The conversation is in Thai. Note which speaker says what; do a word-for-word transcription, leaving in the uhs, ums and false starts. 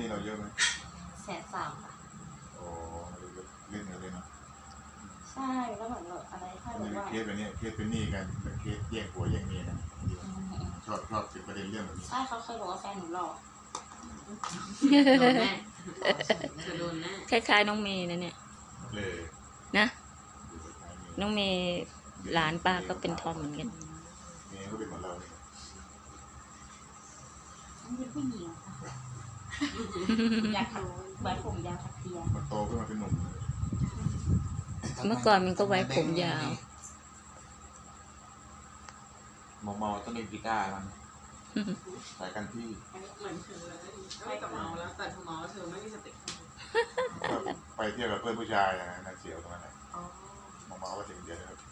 Speaker 1: เราเยอะไหม
Speaker 2: แสนสามค่ะ
Speaker 1: โอ้เล่นกันเลยเนาะ
Speaker 2: ใช่แล้วเหมือนแบบอะไรถ้าแบบว่า
Speaker 1: เคสแบบนี้เคสเป็นหนี้กันเป็นเคสแย่งผัวแย่งเมียนะชอบชอบติดประเด็นเรื่องแบบนี้
Speaker 2: ใช่เขาเคยบอกว่าแฟนหนูหล่อ
Speaker 3: โดนแน่จะโดนแน่
Speaker 4: คล้ายๆน้องเมย์นะเนี่ย
Speaker 1: เลย
Speaker 4: นะน้องเมย์หลานป้าก็เป็นทอมเหมือนกัน
Speaker 1: เมียก็เป็นเหมือนเราเนี่ย
Speaker 2: มันเป็นผู้หญิงค่ะอยากทำไว้ผมยาวทักเทีย
Speaker 1: มันโตขึ้นมาเป็นหนุ่ม
Speaker 4: เมื่อก่อนมันก็ไว้ผมยาว
Speaker 1: มอมอต้องเล่นกีตาร์มันสายกันที่
Speaker 3: เหมือนเธอเลยไม่กับเมาแล้วแต่เธอเมาแล้วเธอไม่มีสติ
Speaker 1: ไปเที่ยวกับเพื่อนผู้ชายอย่างนั้นเสียวตรงนั้นแหละมอมอก็ถึงเดียว